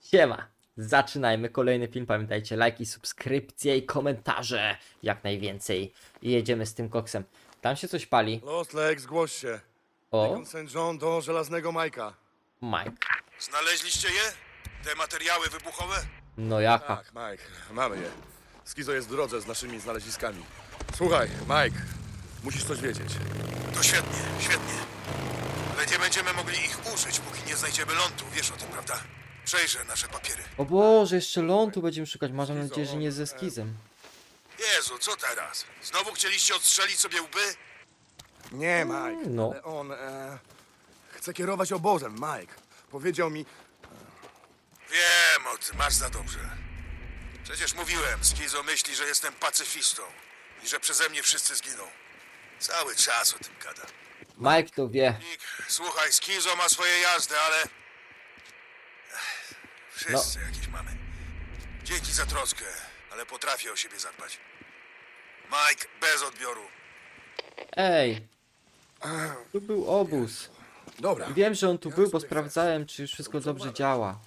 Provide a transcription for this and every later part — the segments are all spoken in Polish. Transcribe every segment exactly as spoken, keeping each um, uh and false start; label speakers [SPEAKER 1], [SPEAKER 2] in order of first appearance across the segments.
[SPEAKER 1] Siema, zaczynajmy kolejny film, pamiętajcie, lajki, subskrypcje i komentarze, jak najwięcej. I jedziemy z tym koksem. Tam się coś pali.
[SPEAKER 2] Lost Lake, zgłoś się.
[SPEAKER 1] O,
[SPEAKER 2] Beacon saint John do Żelaznego Majka.
[SPEAKER 1] Mike.
[SPEAKER 3] Znaleźliście je? Te materiały wybuchowe?
[SPEAKER 1] No jaka?
[SPEAKER 2] Tak, Mike, mamy je. Skizo jest w drodze z naszymi znaleziskami. Słuchaj, Mike, musisz coś wiedzieć.
[SPEAKER 3] To świetnie, świetnie. Ale nie będziemy mogli ich użyć, póki nie znajdziemy lądu. Wiesz o tym, prawda? Przejrzę nasze papiery.
[SPEAKER 1] O Boże, jeszcze lądu będziemy szukać, mam nadzieję, że nie ze skizem.
[SPEAKER 3] Jezu, co teraz? Znowu chcieliście odstrzelić sobie łby?
[SPEAKER 2] Nie, Mike,
[SPEAKER 1] no.
[SPEAKER 2] ale on e, chce kierować obozem, Mike. Powiedział mi...
[SPEAKER 3] Wiem o tym, masz za dobrze. Przecież mówiłem, Skizo myśli, że jestem pacyfistą i że przeze mnie wszyscy zginą. Cały czas o tym gada.
[SPEAKER 1] Mike to wie.
[SPEAKER 3] Nick, słuchaj, Skizo ma swoje jazdy, ale... Ech, Wszyscy jakieś mamy. Dzięki za troskę, ale potrafię o siebie zadbać. Mike, bez odbioru.
[SPEAKER 1] Ej, tu był obóz.
[SPEAKER 2] Dobra.
[SPEAKER 1] Wiem, że on tu był, bo sprawdzałem, czy już wszystko dobrze działa.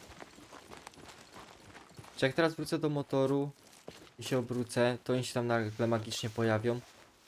[SPEAKER 1] Czy jak teraz wrócę do motoru i się obrócę, to oni się tam nagle magicznie pojawią?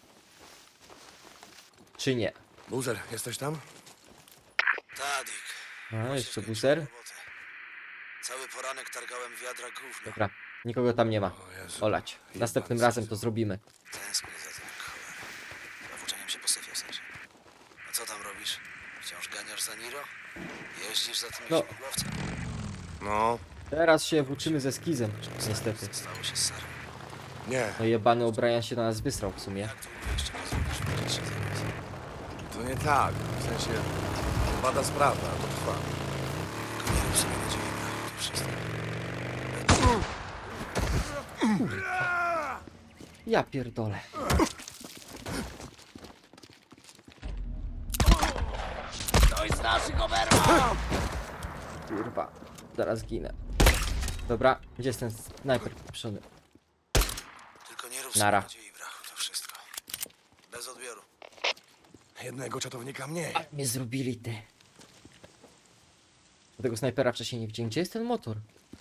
[SPEAKER 1] Czy nie?
[SPEAKER 2] Buzer, jesteś tam?
[SPEAKER 3] Tadik.
[SPEAKER 1] A, jeszcze buzer?
[SPEAKER 3] Cały poranek targałem wiadra gówna.
[SPEAKER 1] Dobra, nikogo tam nie ma.
[SPEAKER 2] O Jezu.
[SPEAKER 1] Olać. Następnym razem to zrobimy.
[SPEAKER 3] Tęsknię za tym kolem. Zawłóczeniem się po syfie, w sensie. A co tam robisz? Wciąż ganiasz za Niro? Jeździsz za tym
[SPEAKER 1] No.
[SPEAKER 3] śmigłowcem?
[SPEAKER 2] No,
[SPEAKER 1] Teraz się włóczymy ze skizem, niestety.
[SPEAKER 3] Stało się z Sarą.
[SPEAKER 2] nie,
[SPEAKER 1] No jebany O'Brien się na nas wysrał w sumie.
[SPEAKER 3] Jak długo jeszcze nie zrobisz będzie się zajmować?
[SPEAKER 2] to nie tak. W sensie, bada sprawa, to trwa.
[SPEAKER 3] Tylko nie rób sobie nadziei, na to wszystko.
[SPEAKER 1] Ja pierdolę. Kurwa, zaraz ginę. Dobra, gdzie jest ten snajper pieprzony?
[SPEAKER 3] Tylko nie rób
[SPEAKER 1] Nara.
[SPEAKER 3] sobie nadziei, brachu, to wszystko. Bez odbioru.
[SPEAKER 2] Jednego czatownika mniej.
[SPEAKER 1] Nie zrobili ty. Tego snajpera wcześniej nie widziałem. Gdzie jest ten motor?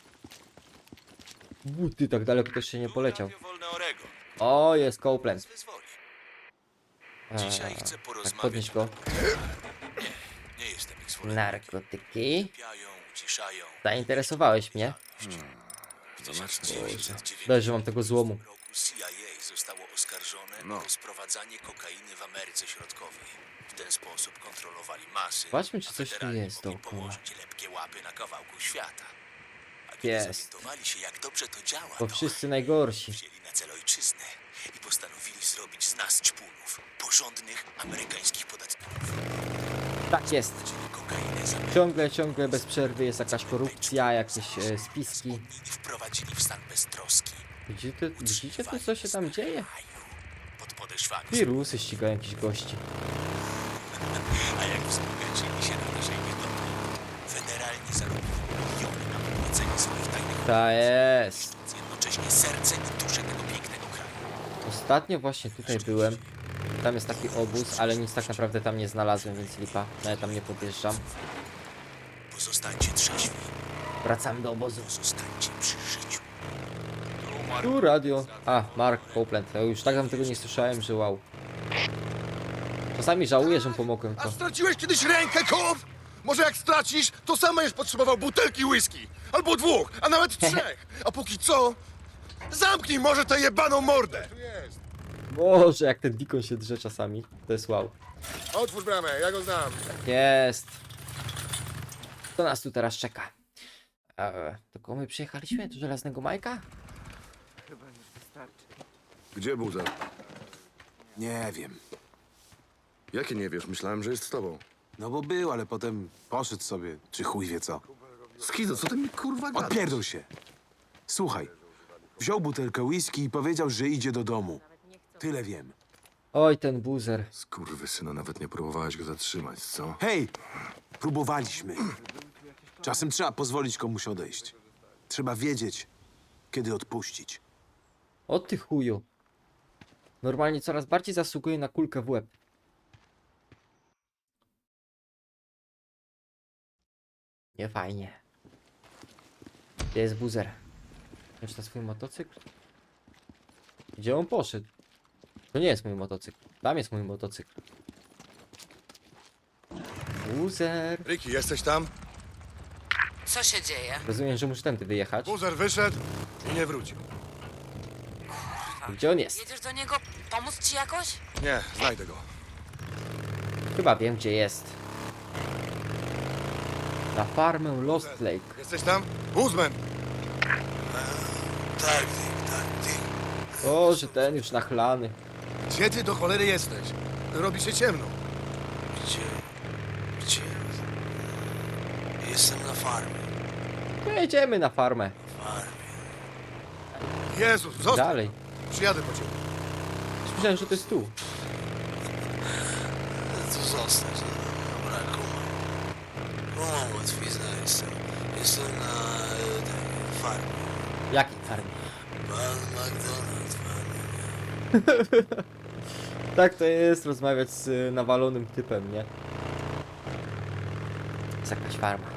[SPEAKER 1] U, ty, tak daleko też się nie poleciał.
[SPEAKER 3] Radio Wolne Orego.
[SPEAKER 1] O, jest Copeland.
[SPEAKER 3] Wyzwoli.
[SPEAKER 1] Eee,
[SPEAKER 3] Dzisiaj chcę
[SPEAKER 1] tak,
[SPEAKER 3] porozmawiać
[SPEAKER 1] podnieś go.
[SPEAKER 3] Nie jestem ich zwolennikiem.
[SPEAKER 1] Narkotyki.
[SPEAKER 3] Piają, uciszają.
[SPEAKER 1] Zainteresowałeś mnie.
[SPEAKER 3] W tysiąc dziewięćset
[SPEAKER 1] Daj, że mam tego złomu.
[SPEAKER 3] dziewięćdziesiątym roku C I A zostało oskarżone
[SPEAKER 2] No.
[SPEAKER 3] o sprowadzanie kokainy w Ameryce Środkowej. W ten sposób kontrolowali masy.
[SPEAKER 1] Zobaczmy, czy
[SPEAKER 3] a
[SPEAKER 1] coś tu
[SPEAKER 3] federalni
[SPEAKER 1] jest
[SPEAKER 3] mogli
[SPEAKER 1] dookoła.
[SPEAKER 3] położyć lepkie łapy na kawałku świata. A kiedy
[SPEAKER 1] Jest.
[SPEAKER 3] zorientowali się, jak dobrze to działa,
[SPEAKER 1] Bo
[SPEAKER 3] to
[SPEAKER 1] wszyscy najgorsi.
[SPEAKER 3] wzięli na cel ojczyznę i postanowili zrobić z nas ćpunów, porządnych amerykańskich podatników.
[SPEAKER 1] Tak jest.
[SPEAKER 3] Czyli kokainę z Ameryki
[SPEAKER 1] Ciągle, ciągle bez przerwy jest jakaś korupcja, jakieś e, spiski.
[SPEAKER 3] i wprowadzili w stan beztroski.
[SPEAKER 1] Widzicie, widzicie to, co się tam dzieje?
[SPEAKER 3] Pod podeszwami.
[SPEAKER 1] Wirusy ścigają jakichś gości.
[SPEAKER 3] A jak wzbogacili się na naszej niedobrej, federalni zarobili miliony na prowadzenie swoich tajnych
[SPEAKER 1] Ta jest.
[SPEAKER 3] operacji, jednocześnie serce i duszę tego pięknego kraju.
[SPEAKER 1] Ostatnio właśnie tutaj byłem. Tam jest taki obóz, ale nic tak naprawdę tam nie znalazłem, więc lipa. Nawet tam nie podjeżdżam.
[SPEAKER 3] Pozostańcie trzeźwi,
[SPEAKER 1] Wracamy do obozu.
[SPEAKER 3] pozostańcie przy życiu.
[SPEAKER 1] Tu radio. A, Mark Copeland. Ja już tak tam tego nie słyszałem, że wow. Czasami żałuję, że mu pomogłem
[SPEAKER 2] A
[SPEAKER 1] to.
[SPEAKER 2] straciłeś kiedyś rękę, kop? Może jak stracisz, to sam będziesz potrzebował butelki whisky. Albo dwóch, a nawet trzech. A póki co, zamknij może tę jebaną mordę.
[SPEAKER 1] Boże, jak ten Dikon się drze czasami. To jest wow.
[SPEAKER 2] Otwórz bramę, ja go znam.
[SPEAKER 1] Jest. To nas tu teraz czeka. Eee, do kogo my przyjechaliśmy? Do Żelaznego Majka?
[SPEAKER 2] Gdzie Buzer?
[SPEAKER 4] Nie wiem.
[SPEAKER 2] Jakie nie wiesz? Myślałem, że jest z tobą.
[SPEAKER 4] No bo był, ale potem poszedł sobie, czy chuj wie co.
[SPEAKER 2] Skizo, co ty mi kurwa gadasz?
[SPEAKER 4] Odpierdol się. Słuchaj, wziął butelkę whisky i powiedział, że idzie do domu. Tyle wiem.
[SPEAKER 1] Oj, ten buzer.
[SPEAKER 2] Skurwysyna, nawet nie próbowałeś go zatrzymać, co?
[SPEAKER 4] Hej, próbowaliśmy. Czasem trzeba pozwolić komuś odejść. Trzeba wiedzieć, kiedy odpuścić.
[SPEAKER 1] O ty chuju. Normalnie coraz bardziej zasługuje na kulkę w łeb. Nie fajnie. Gdzie jest buzer? Już na swój motocykl? Gdzie on poszedł? To nie jest mój motocykl. Tam jest mój motocykl. Buzer.
[SPEAKER 2] Ricky, jesteś tam?
[SPEAKER 5] Co się dzieje?
[SPEAKER 1] Rozumiem, że muszę tędy wyjechać.
[SPEAKER 2] Buzer wyszedł i nie wrócił.
[SPEAKER 1] Gdzie on jest?
[SPEAKER 5] Jedziesz do niego pomóc ci jakoś?
[SPEAKER 2] Nie, znajdę go.
[SPEAKER 1] Chyba wiem, gdzie jest. Na farmę Lost Lake.
[SPEAKER 2] Jesteś tam? Buzman!
[SPEAKER 3] Tak, Dick, tak, Dick.
[SPEAKER 1] O, że ten już nachlany.
[SPEAKER 2] Gdzie ty do cholery jesteś? Robi się ciemno.
[SPEAKER 3] Gdzie? Gdzie? Jestem na farmie.
[SPEAKER 1] To jedziemy na farmę.
[SPEAKER 3] Farmie.
[SPEAKER 2] Jezus, zostaw!
[SPEAKER 1] Dalej.
[SPEAKER 2] Przyjadę po ciebie.
[SPEAKER 1] Myślałem, że to jest tu.
[SPEAKER 3] Tu zostać. Dobra, kumam. Kumam łatwizna jestem. Jestem na e, tak, farmie.
[SPEAKER 1] Jakiej farmie?
[SPEAKER 3] Pan McDonald, farmie.
[SPEAKER 1] Tak to jest rozmawiać z y, nawalonym typem, nie? Jest jakaś farma.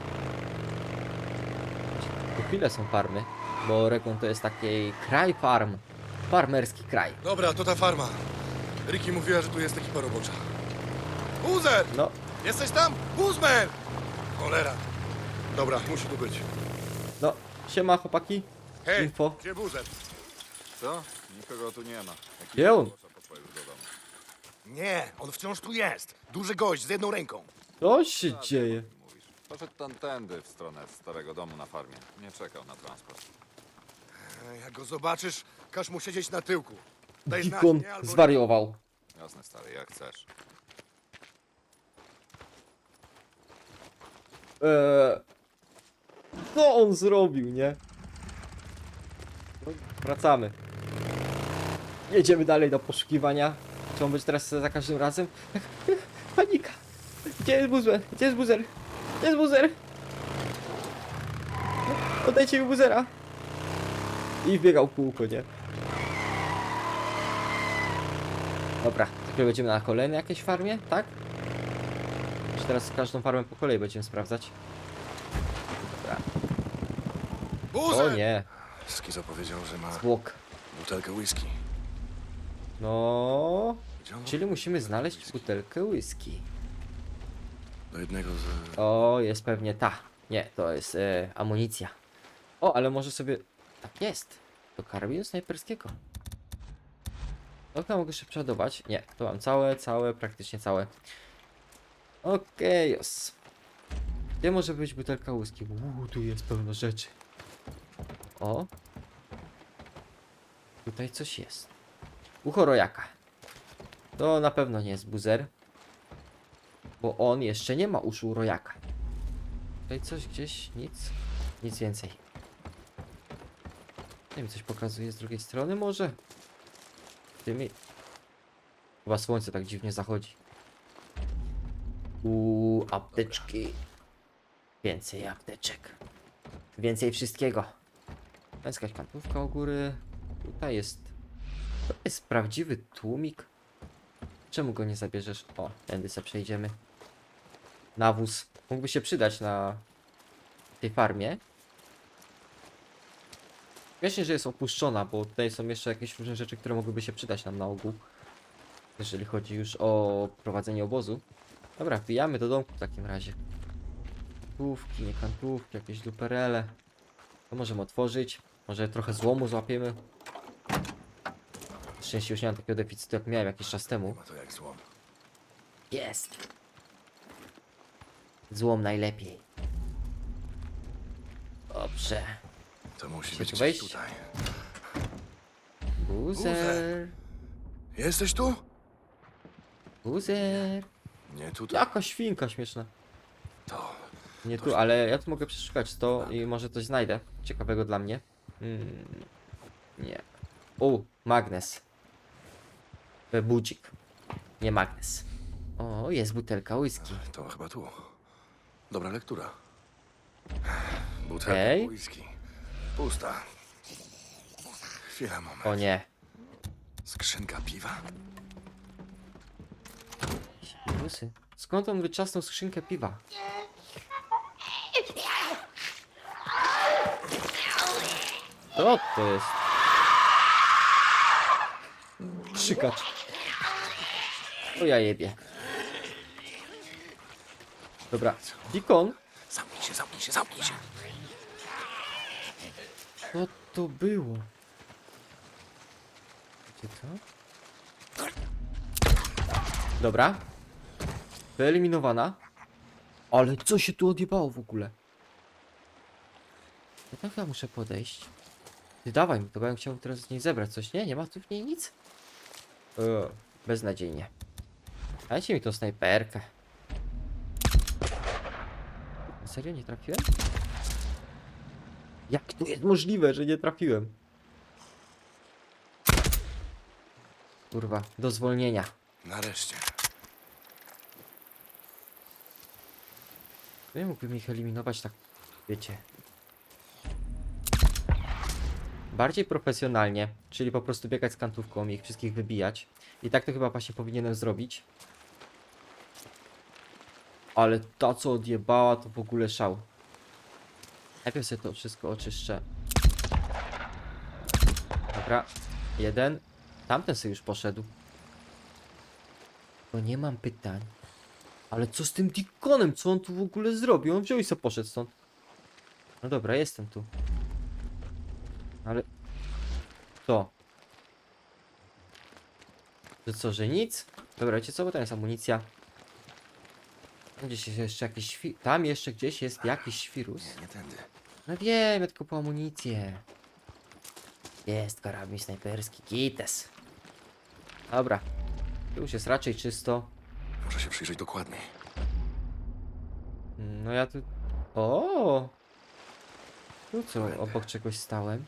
[SPEAKER 1] Tu chwilę są farmy, bo Oregon to jest taki kraj farm. Farmerski kraj.
[SPEAKER 2] Dobra, to ta farma. Ricky mówiła, że tu jest ekipa robocza. Buzer!
[SPEAKER 1] No,
[SPEAKER 2] Jesteś tam? Buzman! Cholera. Dobra, musi tu być.
[SPEAKER 1] no, siema chłopaki.
[SPEAKER 2] Hej,
[SPEAKER 1] Info.
[SPEAKER 2] gdzie Buzer?
[SPEAKER 6] Co? Nikogo tu nie ma. Jakiś
[SPEAKER 1] Gdzie on?
[SPEAKER 6] poszedł już do domu.
[SPEAKER 2] Nie, on wciąż tu jest. Duży gość z jedną ręką.
[SPEAKER 1] Co się dzieje?
[SPEAKER 6] Mówisz. Poszedł tamtędy w stronę starego domu na farmie. Nie czekał na transport.
[SPEAKER 2] E, Jak go zobaczysz, każ mu siedzieć na tyłku. Daj znać,
[SPEAKER 1] Dikon
[SPEAKER 2] nie? Albo...
[SPEAKER 1] zwariował.
[SPEAKER 6] Jasne, stary, jak chcesz.
[SPEAKER 1] Eee, co on zrobił, nie? No, wracamy. Jedziemy dalej do poszukiwania. Czy on być teraz za każdym razem? Panika! Gdzie jest buzer? Gdzie jest buzer? Gdzie jest buzer? Oddajcie mi buzera! I wbiegał w kółko, nie? Dobra, to będziemy na kolejnej jakiejś farmie, tak? Czy teraz każdą farmę po kolei będziemy sprawdzać? Dobra.
[SPEAKER 2] Buzer!
[SPEAKER 1] O nie,
[SPEAKER 2] Skizo powiedział, że ma
[SPEAKER 1] zwłok.
[SPEAKER 2] butelkę whisky.
[SPEAKER 1] No,
[SPEAKER 2] Gdzie on?
[SPEAKER 1] czyli musimy znaleźć butelkę whisky.
[SPEAKER 2] Do jednego z...
[SPEAKER 1] O, jest pewnie ta. Nie, to jest e, amunicja. O, ale może sobie... Tak jest. Do karabinu snajperskiego. Okno mogę się przeładować. Nie, to mam całe, całe, praktycznie całe. Okej, jos. Gdzie może być butelka whisky? Uuu, tu jest pełno rzeczy. O. Tutaj coś jest. Ucho rojaka. To na pewno nie jest buzer. Bo on jeszcze nie ma uszu rojaka. Tutaj coś gdzieś, nic. Nic więcej. Nie wiem, coś pokazuje z drugiej strony może? Tymi... Chyba słońce tak dziwnie zachodzi. Uuu, apteczki. Więcej apteczek. Więcej wszystkiego. To jest jakaś kantówka u góry. Tutaj jest... To jest prawdziwy tłumik. Czemu go nie zabierzesz? O, tędy sobie przejdziemy. Nawóz. Mógłby się przydać na tej farmie. Właśnie, że jest opuszczona, bo tutaj są jeszcze jakieś różne rzeczy, które mogłyby się przydać nam na ogół. Jeżeli chodzi już o prowadzenie obozu. Dobra, wbijamy do domku w takim razie. Kantówki, nie kantówki, jakieś duperele. To możemy otworzyć. Może trochę złomu złapiemy. Na szczęście już nie mam takiego deficytu, jak miałem jakiś czas temu.
[SPEAKER 2] Ma to jak złom.
[SPEAKER 1] Jest! Złom najlepiej. Dobrze.
[SPEAKER 2] To musi
[SPEAKER 1] Chcesz
[SPEAKER 2] być
[SPEAKER 1] tu
[SPEAKER 2] gdzieś
[SPEAKER 1] wejść?
[SPEAKER 2] tutaj.
[SPEAKER 1] Buzer!
[SPEAKER 2] Jesteś tu?
[SPEAKER 1] Buzer!
[SPEAKER 2] Nie tutaj.
[SPEAKER 1] Jaka świnka śmieszna.
[SPEAKER 2] To...
[SPEAKER 1] Nie tu, ale ja tu mogę przeszukać to i może coś znajdę. Ciekawego dla mnie. Hmm. Nie. O, magnes. E, Budzik. Nie magnes. O, jest butelka whisky.
[SPEAKER 2] To chyba tu. Dobra lektura. Butelka
[SPEAKER 1] Okej.
[SPEAKER 2] whisky. Pusta. Chwila, moment.
[SPEAKER 1] O nie.
[SPEAKER 2] Skrzynka piwa?
[SPEAKER 1] Rusy. Skąd on wyczasnął skrzynkę piwa? Co to jest? Krzykacz. O ja jebie. Dobra, Dikon.
[SPEAKER 2] Zamknij się, zamknij się, zamknij się.
[SPEAKER 1] Co to było? Gdzie to? Dobra. Wyeliminowana. Ale co się tu odjebało w ogóle? Ja tak ja muszę podejść. Ty dawaj mi to, bo ja bym chciał teraz z niej zebrać coś. Nie? Nie ma tu w niej nic? O, beznadziejnie. Dajcie mi tą snajperkę. Na serio nie trafiłem? Jak to jest możliwe, że nie trafiłem? Kurwa, do zwolnienia.
[SPEAKER 2] Nareszcie.
[SPEAKER 1] Ja mógłbym ich eliminować tak, wiecie. Bardziej profesjonalnie, czyli po prostu biegać z kantówką i ich wszystkich wybijać. I tak to chyba właśnie powinienem zrobić. Ale ta co odjebała to w ogóle szał. Najpierw sobie to wszystko oczyszczę. Dobra, jeden. Tamten sobie już poszedł. Bo nie mam pytań. Ale co z tym Dikonem? Co on tu w ogóle zrobił? On wziął i sobie poszedł stąd. No dobra, jestem tu. Ale... Co? Że co, że nic? Dobra, wiecie co? Bo tam jest amunicja. Tam gdzieś jest jeszcze jakiś świ... Tam jeszcze gdzieś jest jakiś świrus.
[SPEAKER 2] Nie tędy.
[SPEAKER 1] No wiem, ja tylko po amunicję. Jest karabin snajperski, kites. Dobra. Tu już jest raczej czysto.
[SPEAKER 2] Muszę się przyjrzeć dokładniej.
[SPEAKER 1] No ja tu... O! Tu co, obok czegoś stałem.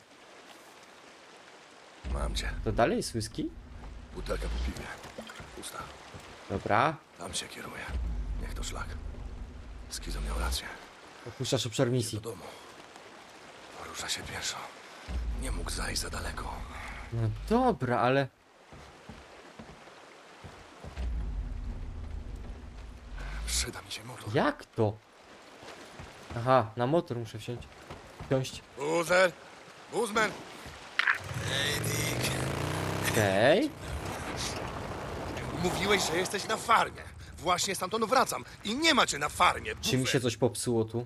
[SPEAKER 2] Mam cię.
[SPEAKER 1] To dalej jest whisky?
[SPEAKER 2] Butelka po piwie. Pusta.
[SPEAKER 1] Dobra.
[SPEAKER 2] Tam się kieruje. Niech to szlak. Skizo miał rację.
[SPEAKER 1] Opuszczasz obszar
[SPEAKER 2] Do
[SPEAKER 1] misji.
[SPEAKER 2] domu. Porusza się pieszo. Nie mógł zajść za daleko.
[SPEAKER 1] No dobra, ale...
[SPEAKER 2] Przyda mi się motor.
[SPEAKER 1] Jak to? Aha, na motor muszę wsiąść. Wsiąść.
[SPEAKER 2] Buzer! Buzman!
[SPEAKER 1] Okej.
[SPEAKER 2] Mówiłeś, że jesteś na farmie. Właśnie stamtąd wracam i nie ma cię na farmie.
[SPEAKER 1] Czy mi się coś popsuło tu?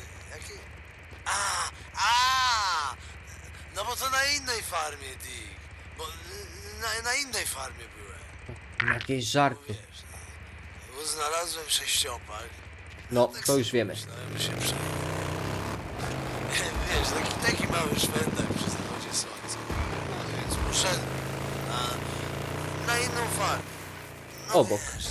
[SPEAKER 7] A, a, no bo to na innej farmie, Dick. Bo y, na, na innej farmie byłem.
[SPEAKER 1] Jakieś żarty.
[SPEAKER 7] Wiesz, no, bo znalazłem sześciopak.
[SPEAKER 1] No,
[SPEAKER 7] Tak
[SPEAKER 1] to już
[SPEAKER 7] sobie
[SPEAKER 1] wiemy.
[SPEAKER 7] Myślałem, że się przejął. Wiesz, taki, taki mały szwendek przy zachodzie słońca. No więc poszedłem na, na inną farmę. No,
[SPEAKER 1] Obok.
[SPEAKER 7] Wiesz,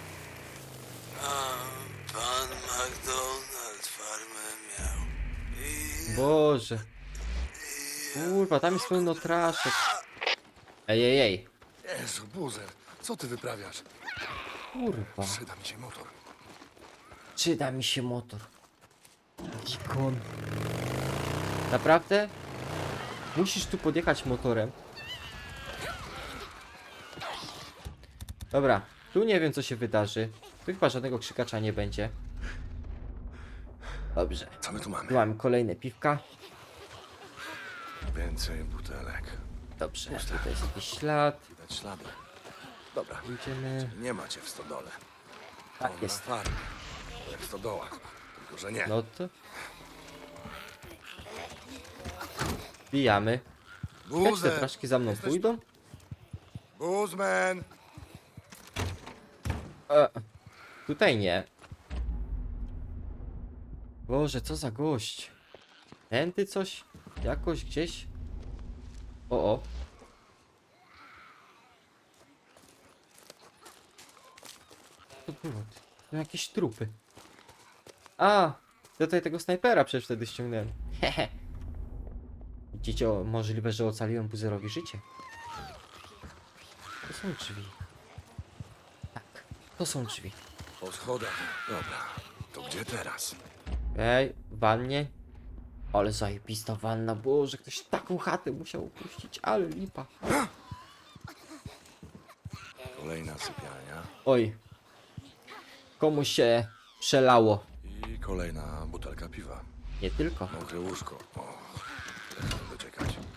[SPEAKER 7] a pan McDonald farmę miał. I
[SPEAKER 1] Boże. Kurwa, tam jest pełno traszek. Ej, ej, ej.
[SPEAKER 2] Jezu, Buzer, co ty wyprawiasz?
[SPEAKER 1] Kurwa.
[SPEAKER 2] Przyda mi się motor.
[SPEAKER 1] Przyda mi się motor. Dikon. Naprawdę? Musisz tu podjechać motorem. Dobra, tu nie wiem co się wydarzy. Tu chyba żadnego krzykacza nie będzie. Dobrze.
[SPEAKER 2] Co my tu mamy?
[SPEAKER 1] Tu mamy kolejne piwka.
[SPEAKER 2] Więcej butelek.
[SPEAKER 1] Dobrze, tutaj jest jakiś ślad.
[SPEAKER 2] Widać ślady. Dobra,
[SPEAKER 1] Idziemy.
[SPEAKER 2] nie macie w stodole.
[SPEAKER 1] Tak
[SPEAKER 2] Na
[SPEAKER 1] jest.
[SPEAKER 2] farmie. Jak w stodołach. Tylko, że nie.
[SPEAKER 1] No to... Bijamy. Jak te
[SPEAKER 2] Buzer!
[SPEAKER 1] traszki za mną
[SPEAKER 2] Jesteś-
[SPEAKER 1] pójdą?
[SPEAKER 2] Buzman!
[SPEAKER 1] E, tutaj nie. Boże, co za gość. Tędy coś? Jakoś gdzieś? O, o. Co to było? To jakieś trupy. A, ja tutaj tego snajpera przecież wtedy ściągnąłem. Hehe. Widzicie, o, możliwe, że ocaliłem Buzerowi życie. To są drzwi. Tak, to są drzwi.
[SPEAKER 2] Po schodach. Dobra, to gdzie teraz?
[SPEAKER 1] Ej, w wannie. Ale zajebista wanna, Boże, ktoś taką chatę musiał opuścić, ale lipa.
[SPEAKER 2] Kolejna sypialnia.
[SPEAKER 1] Oj. Komuś się przelało.
[SPEAKER 2] I kolejna butelka piwa.
[SPEAKER 1] Nie tylko.
[SPEAKER 2] Mokre łóżko. O, tyle doczekać.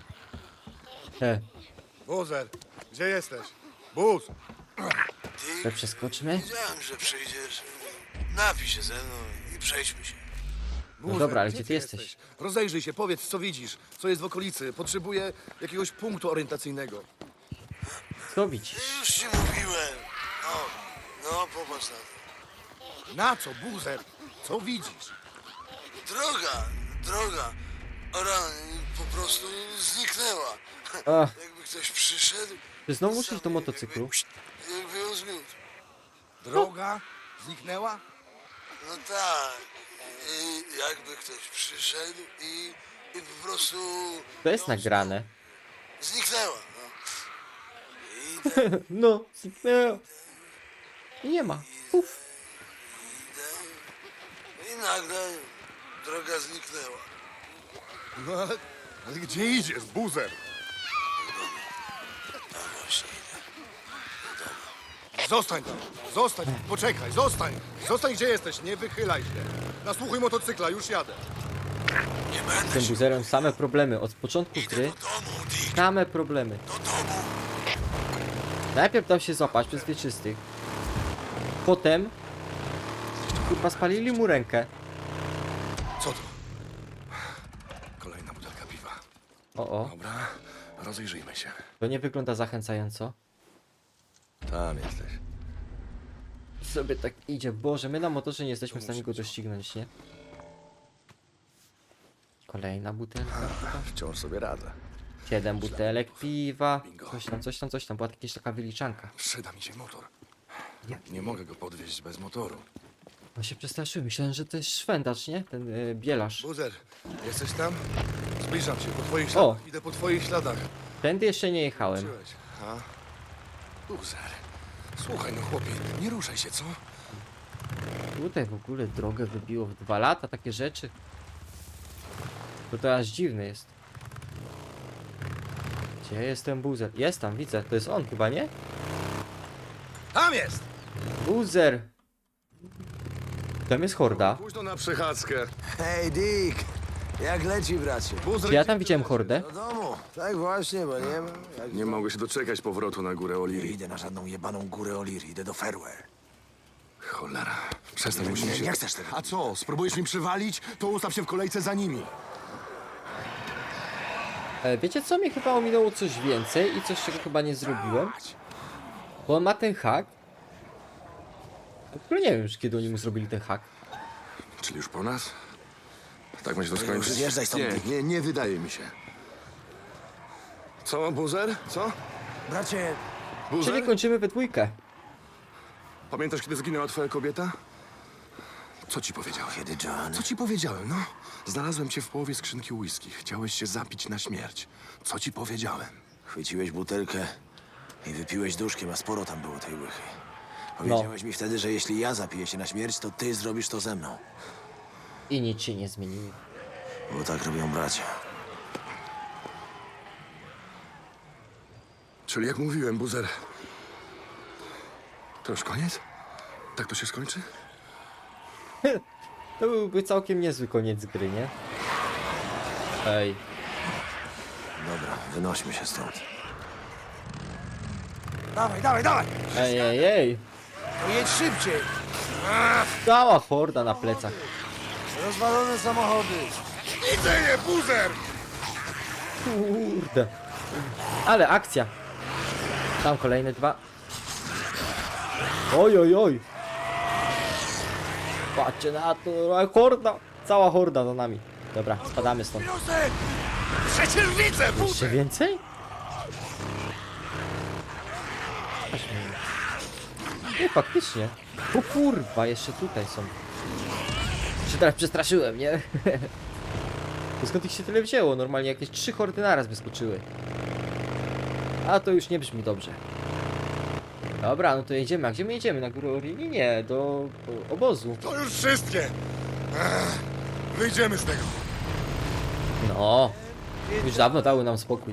[SPEAKER 1] E,
[SPEAKER 2] Buzer, gdzie jesteś? Buz!
[SPEAKER 1] to przeskoczmy.
[SPEAKER 7] Wiedziałem, że przyjdziesz. Napij się ze mną i przejdźmy się.
[SPEAKER 2] Buzer,
[SPEAKER 1] dobra, ale gdzie ty jesteś?
[SPEAKER 2] Rozejrzyj się, powiedz, co widzisz, co jest w okolicy. Potrzebuję jakiegoś punktu orientacyjnego.
[SPEAKER 1] Co widzisz?
[SPEAKER 7] Już ci mówiłem. No, no popatrz na to.
[SPEAKER 2] Na co, Buzer? Co widzisz?
[SPEAKER 7] Droga, droga. Ora po prostu zniknęła.
[SPEAKER 1] Ach,
[SPEAKER 7] Jakby ktoś przyszedł.
[SPEAKER 1] ty znowu
[SPEAKER 7] sam
[SPEAKER 1] musisz do
[SPEAKER 7] jakby-
[SPEAKER 1] motocyklu?
[SPEAKER 7] Jakby ją zmiótł.
[SPEAKER 2] Droga? Zniknęła?
[SPEAKER 7] No tak. I jakby ktoś przyszedł i, i po prostu
[SPEAKER 1] To jest nagrane.
[SPEAKER 7] zniknęła. No. I tak
[SPEAKER 1] No, zniknęło. I nie ma. Puf.
[SPEAKER 7] idę. I nagle droga zniknęła.
[SPEAKER 2] No ale, ale gdzie idziesz, Buzer?
[SPEAKER 7] No właśnie idę.
[SPEAKER 2] Zostań tam, zostań, poczekaj, zostań. Zostań, gdzie jesteś, nie wychylaj się. Nasłuchuj motocykla, już jadę.
[SPEAKER 7] Nie
[SPEAKER 1] Z
[SPEAKER 7] będę
[SPEAKER 1] tym
[SPEAKER 7] się...
[SPEAKER 1] buzerem same problemy. Od początku
[SPEAKER 7] Idę
[SPEAKER 1] gry
[SPEAKER 7] do domu, Dick.
[SPEAKER 1] same problemy.
[SPEAKER 7] Do domu.
[SPEAKER 1] Najpierw dał się złapać przez wieczystych. Potem kurwa spalili mu rękę.
[SPEAKER 2] Co to? Kolejna butelka piwa.
[SPEAKER 1] O o,
[SPEAKER 2] Dobra, rozejrzyjmy się.
[SPEAKER 1] to nie wygląda zachęcająco.
[SPEAKER 2] Tam jesteś.
[SPEAKER 1] Sobie tak idzie. Boże, my na motorze nie jesteśmy w stanie go doścignąć, nie? Kolejna butelka. piwa.
[SPEAKER 2] Wciąż sobie radzę.
[SPEAKER 1] Siedem butelek piwa. Coś tam, coś tam, coś tam. Była jakaś taka wyliczanka.
[SPEAKER 2] Przyda mi się motor. Nie mogę go podwieźć bez motoru.
[SPEAKER 1] No się przestraszyłem. Myślałem, że to jest szwendacz, nie? Ten y, bielarz.
[SPEAKER 2] Buzer, jesteś tam? Zbliżam się po twoich
[SPEAKER 1] O!
[SPEAKER 2] śladach. Idę po twoich śladach.
[SPEAKER 1] Tędy jeszcze nie jechałem.
[SPEAKER 2] Czułeś, ha? Buzer. Słuchaj, no chłopie, nie ruszaj się, co?
[SPEAKER 1] Tutaj w ogóle drogę wybiło w dwa lata, takie rzeczy. To to aż dziwne jest. Gdzie jest ten buzer? Jest tam, widzę. To jest on chyba, nie?
[SPEAKER 2] Tam jest!
[SPEAKER 1] Buzer! Tam jest horda.
[SPEAKER 2] Późno na przechadzkę.
[SPEAKER 8] Hej, Dick! Jak leci, bracie?
[SPEAKER 2] Buzer,
[SPEAKER 1] Czy ja
[SPEAKER 2] gdzie
[SPEAKER 1] tam
[SPEAKER 2] ty
[SPEAKER 1] widziałem
[SPEAKER 2] lecisz?
[SPEAKER 1] hordę?
[SPEAKER 8] Do domu. Tak właśnie, bo nie ma... Jak
[SPEAKER 2] Nie mogę się doczekać powrotu na górę
[SPEAKER 8] Nie
[SPEAKER 2] Oliry.
[SPEAKER 8] idę na żadną jebaną górę Olir, idę do Fairware.
[SPEAKER 2] Cholera. Przestań,
[SPEAKER 8] Nie,
[SPEAKER 2] musimy
[SPEAKER 8] nie,
[SPEAKER 2] się...
[SPEAKER 8] nie chcesz tego.
[SPEAKER 2] A co, spróbujesz mi przywalić? To ustaw się w kolejce za nimi.
[SPEAKER 1] E, wiecie co? Mnie chyba ominęło coś więcej i coś, czego chyba nie zrobiłem. Bo on ma ten hak. W ogóle nie wiem już, kiedy oni mu zrobili ten hak.
[SPEAKER 2] Czyli już po nas? Tak ma się to
[SPEAKER 8] już
[SPEAKER 2] skończyć?
[SPEAKER 8] zjeżdżaj stąd,
[SPEAKER 2] Nie,
[SPEAKER 8] Dick.
[SPEAKER 2] nie, nie wydaje mi się. Co, Buzer? Co?
[SPEAKER 8] Bracie,
[SPEAKER 2] Buzer?
[SPEAKER 1] Czyli kończymy we dwójkę.
[SPEAKER 2] Pamiętasz, kiedy zginęła twoja kobieta? Co ci powiedziałem?
[SPEAKER 8] kiedy John?
[SPEAKER 2] Co ci powiedziałem, no? Znalazłem cię w połowie skrzynki whisky. Chciałeś się zapić na śmierć. Co ci powiedziałem?
[SPEAKER 8] Chwyciłeś butelkę i wypiłeś duszkiem, a sporo tam było tej łychy. Powiedziałeś mi wtedy, że jeśli ja zapiję się na śmierć, to ty zrobisz to ze mną.
[SPEAKER 1] I nic się nie zmieniło.
[SPEAKER 8] Bo tak robią bracia.
[SPEAKER 2] Czyli jak mówiłem, Buzer... To już koniec? Tak to się skończy?
[SPEAKER 1] To byłby całkiem niezły koniec gry, nie? Ej.
[SPEAKER 8] Dobra, wynośmy się stąd.
[SPEAKER 7] Dawaj, dawaj, dawaj!
[SPEAKER 1] Ej, ej, ej.
[SPEAKER 7] No jedź szybciej!
[SPEAKER 1] Cała horda na plecach.
[SPEAKER 7] Rozwalone samochody!
[SPEAKER 2] Widzę je, Buzer!
[SPEAKER 1] Kurde. Ale akcja. Tam kolejne dwa. Oj, oj, oj. Patrzcie na to. Horda. Cała horda za nami. Dobra, spadamy stąd.
[SPEAKER 2] Józef! Przecież widzę,
[SPEAKER 1] Jeszcze
[SPEAKER 2] Buzer!
[SPEAKER 1] więcej? Nie, faktycznie. O kurwa, jeszcze tutaj są. Się teraz przestraszyłem, nie? To skąd ich się tyle wzięło? Normalnie jakieś trzy hordy naraz wyskoczyły. A to już nie brzmi dobrze. Dobra, no to jedziemy. A gdzie my jedziemy? Na górę Orini? Nie, do, do obozu.
[SPEAKER 2] To już wszystkie! Ech, wyjdziemy z tego.
[SPEAKER 1] No. Już dawno dały nam spokój.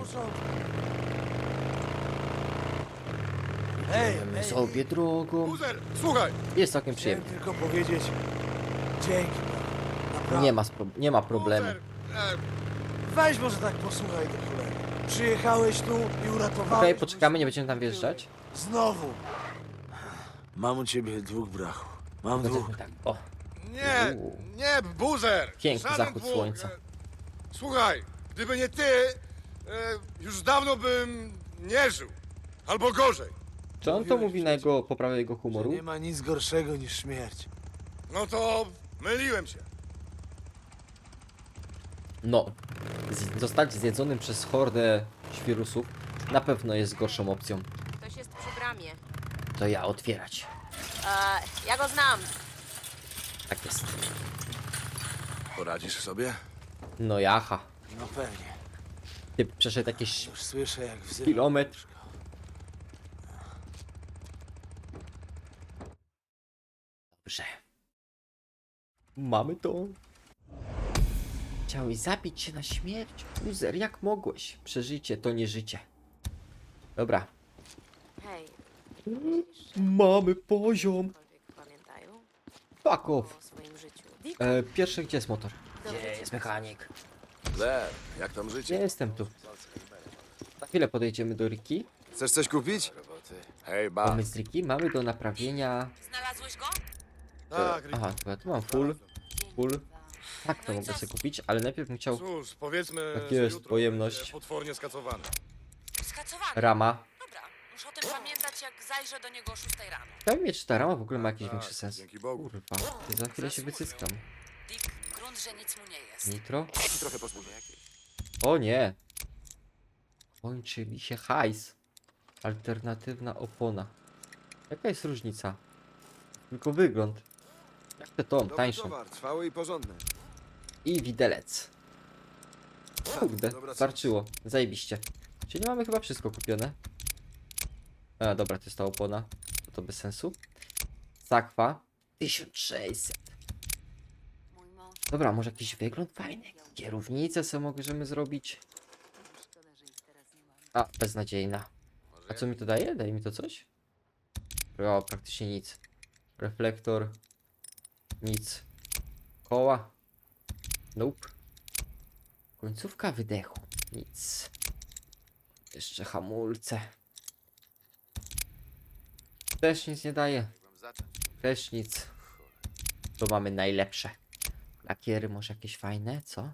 [SPEAKER 7] Hej,
[SPEAKER 1] Idziemy sobie drogą.
[SPEAKER 2] Buzer, słuchaj!
[SPEAKER 1] Jest całkiem
[SPEAKER 7] chciałem
[SPEAKER 1] przyjemnie.
[SPEAKER 7] tylko powiedzieć dzięki. Naprawdę.
[SPEAKER 1] Nie ma, spro- nie ma problemu.
[SPEAKER 2] Buzer, e,
[SPEAKER 7] Weź może tak posłuchaj do cholery. Przyjechałeś tu i uratowałeś...
[SPEAKER 1] Okej, poczekamy, nie będziemy tam wjeżdżać.
[SPEAKER 7] Znowu. Mam u ciebie dwóch brachów. Mam
[SPEAKER 1] No
[SPEAKER 7] dwóch.
[SPEAKER 1] to tak, o,
[SPEAKER 2] Nie,
[SPEAKER 1] Uuu.
[SPEAKER 2] nie, buzer!
[SPEAKER 1] Piękny
[SPEAKER 2] Żaden
[SPEAKER 1] zachód
[SPEAKER 2] dwóch.
[SPEAKER 1] słońca.
[SPEAKER 2] E, Słuchaj, gdyby nie ty, e, już dawno bym nie żył. Albo gorzej.
[SPEAKER 1] czy on to mówi na jego poprawę jego
[SPEAKER 7] Że
[SPEAKER 1] humoru?
[SPEAKER 7] nie ma nic gorszego niż śmierć.
[SPEAKER 2] No to myliłem się.
[SPEAKER 1] No, z- zostać zjedzonym przez hordę świrusów na pewno jest gorszą opcją.
[SPEAKER 5] Ktoś jest przy bramie.
[SPEAKER 1] To ja otwierać.
[SPEAKER 5] E, ja go znam.
[SPEAKER 1] Tak jest.
[SPEAKER 2] Poradzisz sobie?
[SPEAKER 1] No jaha.
[SPEAKER 7] No pewnie.
[SPEAKER 1] Ty przeszedł jakiś
[SPEAKER 7] Już słyszę, jak wzywa.
[SPEAKER 1] kilometr. Dobrze. Mamy to. Chciałeś zabić się na śmierć? Uzer, jak mogłeś? Przeżycie to nie życie. Dobra.
[SPEAKER 5] Hej,
[SPEAKER 1] Mamy poziom.
[SPEAKER 5] cokolwiek pamiętają
[SPEAKER 1] Fuck off.
[SPEAKER 5] o swoim życiu? Dick,
[SPEAKER 1] E, pierwszy, gdzie jest motor?
[SPEAKER 5] dobrze
[SPEAKER 1] Gdzie
[SPEAKER 5] cię
[SPEAKER 1] jest mechanik?
[SPEAKER 2] Le, jak tam
[SPEAKER 1] Gdzie
[SPEAKER 2] życie?
[SPEAKER 1] jestem tu? Za chwilę podejdziemy do Riki.
[SPEAKER 2] Chcesz coś kupić? Hej, ba.
[SPEAKER 1] Mamy z Riki, mamy do naprawienia...
[SPEAKER 5] Znalazłeś go?
[SPEAKER 2] Tak,
[SPEAKER 1] Aha, to ja tu mam full, full. Tak, to
[SPEAKER 5] No i
[SPEAKER 1] mogę
[SPEAKER 5] co?
[SPEAKER 1] sobie kupić, ale najpierw bym chciał
[SPEAKER 2] cóż, powiedzmy,
[SPEAKER 1] Tak
[SPEAKER 2] że
[SPEAKER 1] jest,
[SPEAKER 2] jutro
[SPEAKER 1] pojemność.
[SPEAKER 2] będzie potwornie skacowany.
[SPEAKER 5] Skacowany.
[SPEAKER 1] rama.
[SPEAKER 5] Dobra, muszę o tym pamiętać, jak zajrzę do niego o szóstej rano.
[SPEAKER 1] Chciałbym mieć, czy ta rama w ogóle ma jakiś
[SPEAKER 2] Tak,
[SPEAKER 1] większy sens.
[SPEAKER 2] dzięki Bogu.
[SPEAKER 1] Kurwa, ty za chwilę się wycyckam.
[SPEAKER 5] Dick, grunt, że nic mu nie jest.
[SPEAKER 1] Nitro?
[SPEAKER 2] Trochę posłuchaj.
[SPEAKER 1] O nie! Kończy mi się hajs. Alternatywna opona. Jaka jest różnica? Tylko wygląd. Jak te tom, tańsze.
[SPEAKER 2] trwały i porządny.
[SPEAKER 1] I widelec. Kurde, starczyło. Zajebiście. Czyli mamy chyba wszystko kupione. A, dobra, to jest ta opona. To, to bez sensu. Sakwa. tysiąc sześćset.
[SPEAKER 5] Mój mąż.
[SPEAKER 1] Dobra, może jakiś wygląd fajny. Kierownicę sobie możemy zrobić. A, beznadziejna. A co mi to daje? Daje mi to coś? O, praktycznie nic. Reflektor. Nic. Koła. Nope. Końcówka wydechu. Nic. Jeszcze hamulce. Też nic nie daje. Też nic. To mamy najlepsze. Lakiery może jakieś fajne, co?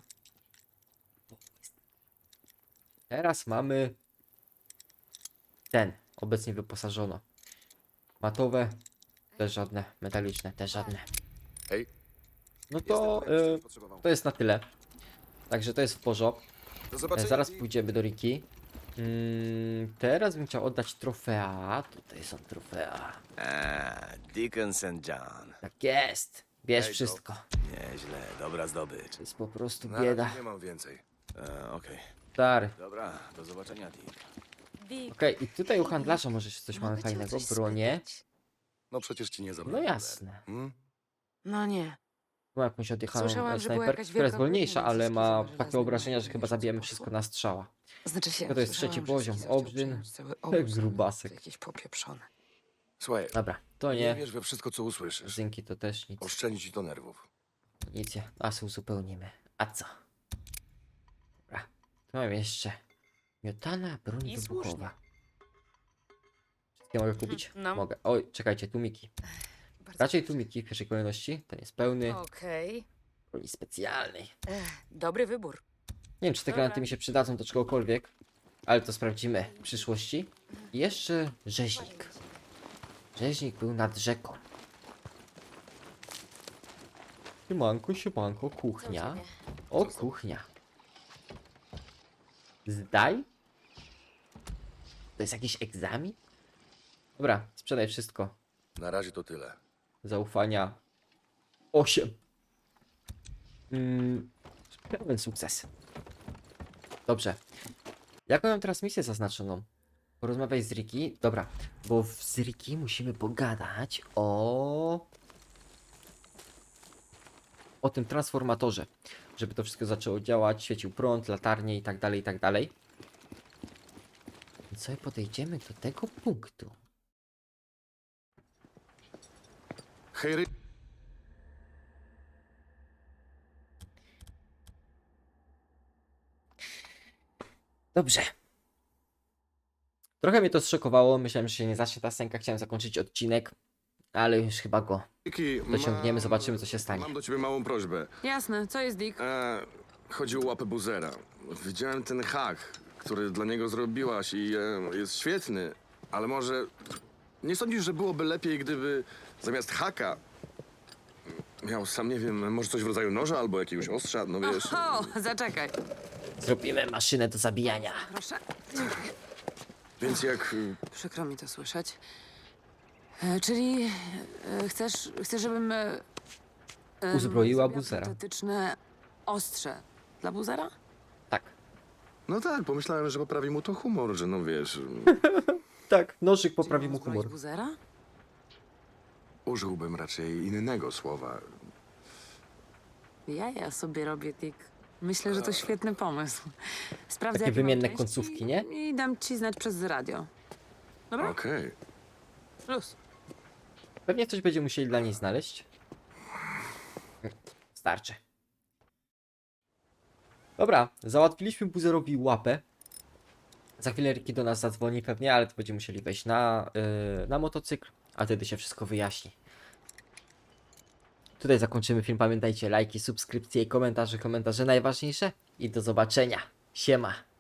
[SPEAKER 1] Teraz mamy ten. Obecnie wyposażono. Matowe. Też żadne. Metaliczne. Też żadne.
[SPEAKER 2] Hej.
[SPEAKER 1] No to y, to jest na tyle. Także to jest w porządku.
[SPEAKER 2] Do
[SPEAKER 1] E, Zaraz pójdziemy do Riki. Mm, teraz bym chciał oddać trofea. Tutaj są trofea.
[SPEAKER 8] A, Dickens and John.
[SPEAKER 1] Tak jest. Bierz
[SPEAKER 2] Hej,
[SPEAKER 1] wszystko.
[SPEAKER 8] Nieźle, dobra zdobycz.
[SPEAKER 1] To jest po prostu
[SPEAKER 2] Na
[SPEAKER 1] bieda.
[SPEAKER 2] razie nie mam więcej.
[SPEAKER 8] E, Okej,
[SPEAKER 1] Stary.
[SPEAKER 8] dobra, do zobaczenia, Dick.
[SPEAKER 5] Dick,
[SPEAKER 1] Okej, i tutaj u handlarza może się coś mamy
[SPEAKER 5] mogę cię o
[SPEAKER 1] fajnego.
[SPEAKER 5] coś
[SPEAKER 1] Bronie.
[SPEAKER 5] spytać?
[SPEAKER 2] No przecież ci nie
[SPEAKER 1] No
[SPEAKER 2] zabrałem.
[SPEAKER 1] jasne.
[SPEAKER 2] Hmm?
[SPEAKER 5] No nie.
[SPEAKER 1] Mam jakąś odjechaną
[SPEAKER 5] Słyszałam, że była
[SPEAKER 1] snajperkę,
[SPEAKER 5] jakaś
[SPEAKER 1] która jest
[SPEAKER 5] wielka
[SPEAKER 1] wolniejsza,
[SPEAKER 5] wojna
[SPEAKER 1] ale
[SPEAKER 5] między
[SPEAKER 1] ma
[SPEAKER 5] żelaznymi
[SPEAKER 1] takie obrażenia, że
[SPEAKER 5] wojskami
[SPEAKER 1] chyba
[SPEAKER 5] w
[SPEAKER 1] zabijemy
[SPEAKER 5] miesiącu
[SPEAKER 1] wszystko na strzała.
[SPEAKER 5] Znaczy się,
[SPEAKER 1] To jest
[SPEAKER 5] słyszałam,
[SPEAKER 1] trzeci
[SPEAKER 5] że
[SPEAKER 1] poziom.
[SPEAKER 5] Ski chciał
[SPEAKER 1] Obrzyn.
[SPEAKER 5] przejąć cały obóz, ale
[SPEAKER 1] Grubasek.
[SPEAKER 5] to Jakieś popieprzone.
[SPEAKER 2] Słuchaj,
[SPEAKER 1] Dobra, to
[SPEAKER 2] nie
[SPEAKER 1] nie.
[SPEAKER 2] wierz we wszystko, co usłyszysz.
[SPEAKER 1] Zynki to też nic.
[SPEAKER 2] Oszczędzi ci to nerwów.
[SPEAKER 1] Nic, nie. A sobie uzupełnimy. A co? Dobra. Tu mam jeszcze miotana broń
[SPEAKER 5] I
[SPEAKER 1] wybuchowa. Wszystkie mogę kupić?
[SPEAKER 5] no.
[SPEAKER 1] Mogę. Oj, czekajcie, tłumiki.
[SPEAKER 5] Bardzo
[SPEAKER 1] Raczej tłumiki w pierwszej kolejności. Ten jest pełny.
[SPEAKER 5] Okej.
[SPEAKER 1] Broni specjalnej.
[SPEAKER 5] Ech, dobry wybór.
[SPEAKER 1] Nie wiem, czy te
[SPEAKER 5] Dobra.
[SPEAKER 1] granaty mi się przydadzą do czegokolwiek. Ale to sprawdzimy w przyszłości. I jeszcze rzeźnik. Rzeźnik był nad rzeką. Siemanko, siemanko,
[SPEAKER 5] Co u
[SPEAKER 1] kuchnia.
[SPEAKER 5] ciebie?
[SPEAKER 1] O, kuchnia. Zdaj? To jest jakiś egzamin? Dobra, sprzedaj wszystko.
[SPEAKER 2] Na razie to tyle.
[SPEAKER 1] Zaufania osiem. Mm, pełen sukces. Dobrze. Jaką mam teraz misję zaznaczoną? Porozmawiaj z Riki. Dobra, bo w- z Riki musimy pogadać o... o tym transformatorze. Żeby to wszystko zaczęło działać, świecił prąd, latarnie i tak dalej, i tak dalej. Więc sobie podejdziemy do tego punktu.
[SPEAKER 2] Hej, Ry...
[SPEAKER 1] Dobrze. Trochę mnie to zszokowało, myślałem, że się nie zacznie ta scenka, chciałem zakończyć odcinek, ale już chyba go
[SPEAKER 2] Miki,
[SPEAKER 1] dociągniemy,
[SPEAKER 2] mam-
[SPEAKER 1] zobaczymy co się stanie.
[SPEAKER 2] Mam do ciebie małą prośbę.
[SPEAKER 5] Jasne, co jest Dick?
[SPEAKER 2] E, chodzi o łapę buzera. Widziałem ten hak, który dla niego zrobiłaś i e, jest świetny, ale może nie sądzisz, że byłoby lepiej, gdyby zamiast haka miał sam, nie wiem, może coś w rodzaju noża albo jakiegoś ostrza, no wiesz.
[SPEAKER 5] O, zaczekaj.
[SPEAKER 1] Zrobimy maszynę do zabijania.
[SPEAKER 5] Proszę.
[SPEAKER 2] Więc jak...
[SPEAKER 5] Przykro mi to słyszeć. E, czyli e, chcesz, chcesz, żebym e, em,
[SPEAKER 1] Uzbroiła
[SPEAKER 5] zrobiła
[SPEAKER 1] buzera.
[SPEAKER 5] protetyczne ostrze dla buzera?
[SPEAKER 1] Tak.
[SPEAKER 2] No tak, pomyślałem, że poprawi mu to humor, że no wiesz,
[SPEAKER 1] Tak, nożyk poprawi
[SPEAKER 5] Czyli
[SPEAKER 1] mu
[SPEAKER 5] uzbroić
[SPEAKER 1] humor.
[SPEAKER 5] buzera?
[SPEAKER 2] użyłbym raczej innego słowa.
[SPEAKER 5] Ja ja sobie robię, Dick. Myślę, że to świetny pomysł. Sprawdzę,
[SPEAKER 1] Takie
[SPEAKER 5] jakie mam
[SPEAKER 1] wymienne
[SPEAKER 5] części
[SPEAKER 1] końcówki, nie?
[SPEAKER 5] I dam ci znać przez radio. Dobra?
[SPEAKER 2] Okej.
[SPEAKER 5] Plus.
[SPEAKER 1] Pewnie coś będzie musieli dla niej znaleźć. Starczy. Dobra, załatwiliśmy buzerowi łapę. Za chwilę Ricky do nas zadzwoni pewnie, ale to będziemy musieli wejść na, yy, na motocykl, a wtedy się wszystko wyjaśni. Tutaj zakończymy film. Pamiętajcie, lajki, subskrypcje i komentarze. Komentarze najważniejsze. I do zobaczenia. Siema.